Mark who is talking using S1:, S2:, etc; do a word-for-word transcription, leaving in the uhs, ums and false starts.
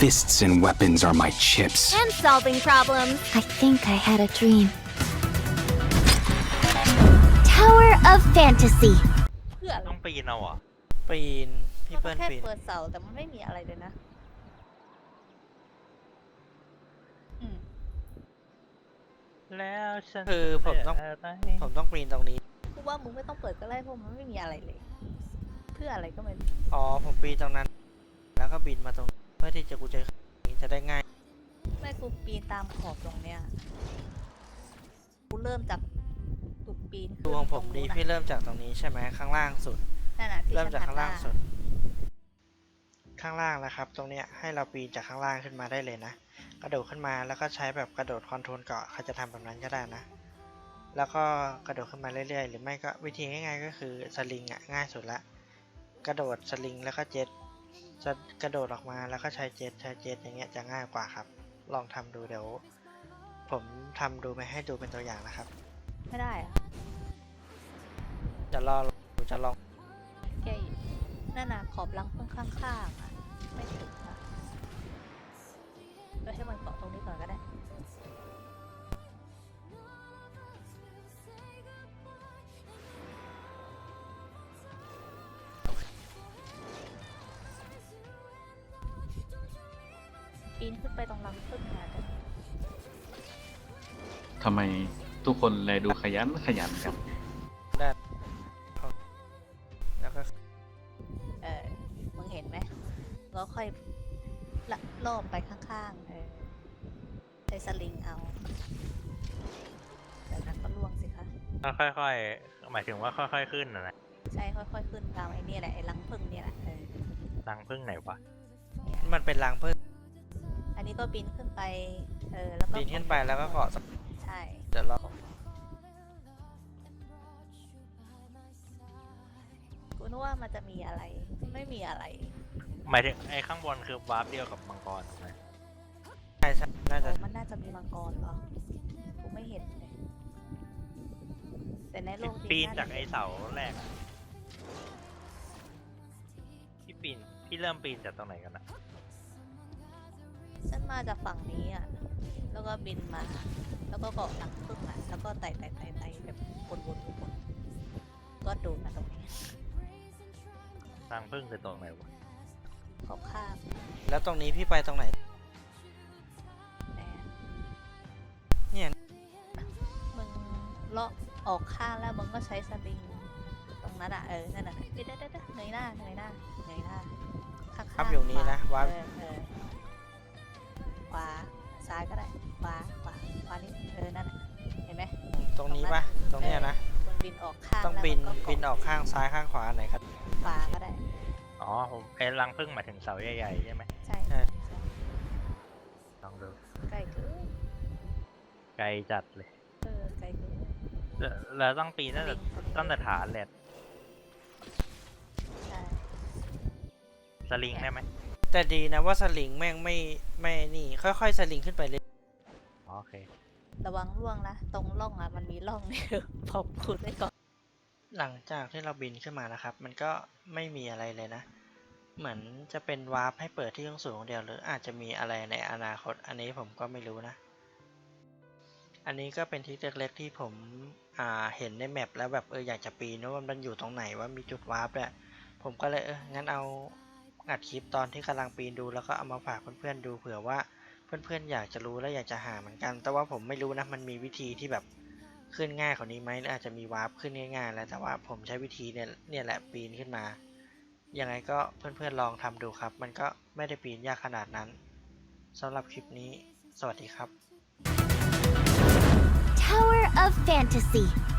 S1: fists and weapons are my chips.
S2: And solving problems.
S3: I think I had a dream. Tower of Fantasy.
S4: เพื่ออะไร
S5: ต้องปีนเอาเหรอ
S6: ปีนพี่
S4: มัน
S6: เปิ้ล
S4: แค่
S6: ปีน
S4: เปิดเสาแต่มันไม่มีอะไรเลยนะอืม
S5: แล้วฉัน
S6: คือผมต้อง
S5: ะไร
S6: ผมต้องปีนตรงนี้
S4: กูว่ามึงไม่ต้องเปิดก็ได้เพราะมันไม่มีอะไรเลย เพื่ออะไรก็ไม่รู้
S6: อ๋อผมปีนตรงนั้น แล้วก็บินมาตรงนี้เพื่อที่จะกูจะจะได้ง่าย
S4: แม่กูปีนตามขอบตรงเนี้ยกูเริ่มจากตุกปีน
S6: ดูของผม
S4: ตร
S6: ดี
S4: นู้น
S6: พี่เริ่มจากตรงนี้ใช่ไหมข้างล่างสุด
S4: นั่นน่ะที่
S6: เริ่ม
S4: ฉัน
S6: จากข้างล่าง
S4: หันห
S6: สุด ข้างล่างนะครับ ตรงเนี้ยให้เราปีนจากข้างล่างขึ้นมาได้เลยนะ กระโดดขึ้นมาแล้วก็ใช้แบบกระโดดคอนโทรลเกาะใครจะทำแบบนั้นก็ได้นะ แล้วก็กระโดดขึ้นมาเรื่อยๆหรือไม่ก็วิธีง่ายๆก็คือสลิงอ่ะง่ายสุดละ กระโดดสลิงแล้วก็เจ็ตจะกระโดดออกมาแล้วก็ใช้เจ็ตใช้เจ็ตอย่างเงี้ยจะง่ายกว่าครับ ลองทำดูเดี๋ยวผมทำดูไปให้ดูเป็นตัวอย่างนะครับ
S4: ไม่ได้อะ
S6: จะลองจะลอง
S4: แกนั่นน่ะขอบรังพึ่งข้างๆอ่ะไม่ถึงอ่ะก็ให้มันเกาะตรงนี้ก่อนก็ได้ปีนขึ้นไปตรงรังพึ่งมากัน
S7: ทำไมทุกคนเลยดูขยันขยันครับ
S6: ได้แล้วก็
S4: เออมึงเห็นไหมแล้วค่อยละลอบไปข้างๆเออใช้สลิงเอาแต่นั้นก็ล่วงสิคะ
S5: ค่อยๆหมายถึงว่าค่อยๆขึ้นนะนะ
S4: ใช่ค่อยๆขึ้นตามไอ้นี่แหละไอ้รังพึ่งเนี่ยแหละเออ
S5: รังพึ่งไหนวะ
S4: เนี่ย
S6: มันเป็นรังพึ่ง
S4: อันนี้ก็บินขึ้นไปเออแล้วก็
S6: ปีนขึ้นไปแล้วก็เกาะ
S4: ใช่
S6: เดี๋ยวเรา
S4: กูนึกว่ามันจะมีอะไรไม่มีอะไร
S5: หมายถึงไอ้ข้างบนคือวาร์ปเดียวกับมังกรถูกไหม
S6: ใช่ใช่น่าจะ
S4: โอ้มันน่าจะมีมังกรเหรอกูไม่เห็นเลยแต่ในโลกจริง
S5: ปีน
S4: น่
S5: จาก
S4: จะ
S5: ไอ้เสาแรกอะพี่ปีนพี่เริ่มปีนจากตรงไหนกันนะ
S4: ฉันมาจากฝั่งนี้อ่ะแล้วก็บินมา แล้วก็เกาะหลังพึ่งอ่ะแล้วก็ไต่ไต่ไต่ไต่แบบวนๆวนๆก็โดนมาตรงนี้
S5: รังพึ่งคือตรงไหนวะ
S4: ขอบข้าง
S6: แล้วตรงนี้พี่ไปตรงไหน
S4: แหน
S6: เนี่ย
S4: มึงเลาะออกข้างแล้วมึงก็ใช้สลิงตรงนั้นอ่ะเออนั่นน่ะเด้เด้เด้เด้เงยหน้าเงยหน้าเงยหน้าข้างๆ
S6: ครับอยู่นี้นะ
S4: ข
S6: วาร์ป
S4: เออเออขวาซ้ายก็ได้ขวาขวาขวานี่เออนั่นน่ะเห็นไหม
S6: ตรงนี้ปะตรงเนี้ยนะ
S4: มึงบินออกข้าง
S6: ต้อง
S4: แล้ว
S6: บิน
S4: มึงก็
S6: บินออกข้างซ้ายข้างขวาไหนครับ
S4: ขวาก็ได้
S5: อ๋อผมไอ้รังพึ่งหมายถึงเสาใหญ่ๆใช่ไหม
S4: ใช่
S6: ใช่
S5: ลองดู
S4: ใกล้เกิน
S5: ไกลจัดเลย
S4: เออไกลเกิน
S5: แล้วแล้วต้องปีนตั้งแต่ตั้งแต่ฐานแหละ
S4: ใช่
S5: สลิงได้ไหม
S6: แต่ดีนะว่าสลิงแม่งไม่ไม่นี่ ค่อยๆสลิงขึ้นไปเลย
S5: อ๋อโอเค
S4: ระวังร่วงนะตรงร่องอ่ะมันมีร่องเนี่ย พอพูดไว้ก่อน
S6: หลังจากที่เราบินขึ้นมานะครับ มันก็ไม่มีอะไรเลยนะ เหมือนจะเป็นวาร์ปให้เปิดที่สูงๆเดียวหรืออาจจะมีอะไรในอนาคต อันนี้ผมก็ไม่รู้นะ อันนี้ก็เป็นทริคเล็กๆที่ผมอ่าเห็นในแมปแล้วแบบเอออยากจะปีนว่ามันอยู่ตรงไหนว่ามีจุดวาร์ปเนี่ยผมก็เลยเอองั้นเอาอัดคลิปตอนที่กำลังปีนดูแล้วก็เอามาฝากเพื่อนๆดูเผื่อว่าเพื่อนๆอยากจะรู้และอยากจะหาเหมือนกัน แต่ว่าผมไม่รู้นะมันมีวิธีที่แบบขึ้นง่ายกว่านี้ไหมหรืออาจจะมีวาร์ปขึ้นง่ายๆแล้วแต่ว่าผมใช้วิธีเนี่ยเนี่ยแหละปีนขึ้นมายังไงก็เพื่อนๆลองทำดูครับ มันก็ไม่ได้ปีนยากขนาดนั้นสำหรับคลิปนี้สวัสดีครับ
S3: Tower of Fantasy.